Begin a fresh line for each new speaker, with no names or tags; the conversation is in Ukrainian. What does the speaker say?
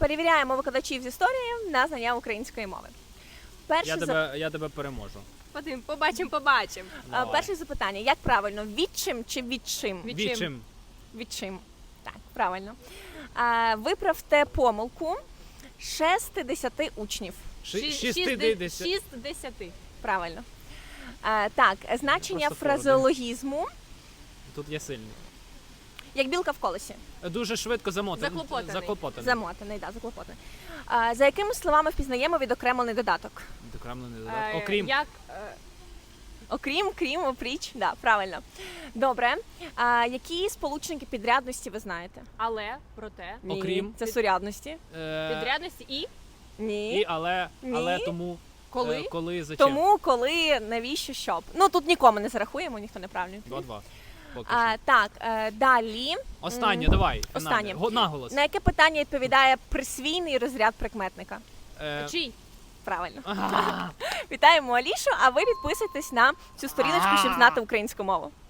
перевіряємо викладачів з історії на знання української мови.
Я тебе переможу.
Побачимо.
Давай.
Перше запитання. Як правильно? Відчим чи відчим?
Відчим.
Відчим. Так, правильно. Виправте помилку 60 учнів.
60.
60.
Правильно. Так, значення
Просто
фразеологізму.
Тут я сильний.
Як білка в колесі.
Дуже швидко
Заклопотаний.
Замотаний, да, заклопотаний. За якими словами впізнаємо відокремлений додаток?
Відокремлений додаток. Окрім.
Окрім, крім, опріч. Да, правильно. Добре. Які сполучники підрядності ви знаєте?
Але, проте,
Ні,
Окрім.
це сурядності.
підрядності і
Ні.
І але
Ні.
тому.
коли.
Коли, зачем?
Тому, коли, навіщо, щоб. Ну, тут нікому не зарахуємо, ніхто неправильно.
2-2. Поки що.
Так, далі.
Останнє, давай.
Останнє.
Фінальне. Наголос.
На яке питання відповідає присвійний розряд прикметника?
Чий?
Правильно.
Ага.
Вітаємо Алішу, а ви підписуйтесь на цю сторіночку, щоб знати українську мову.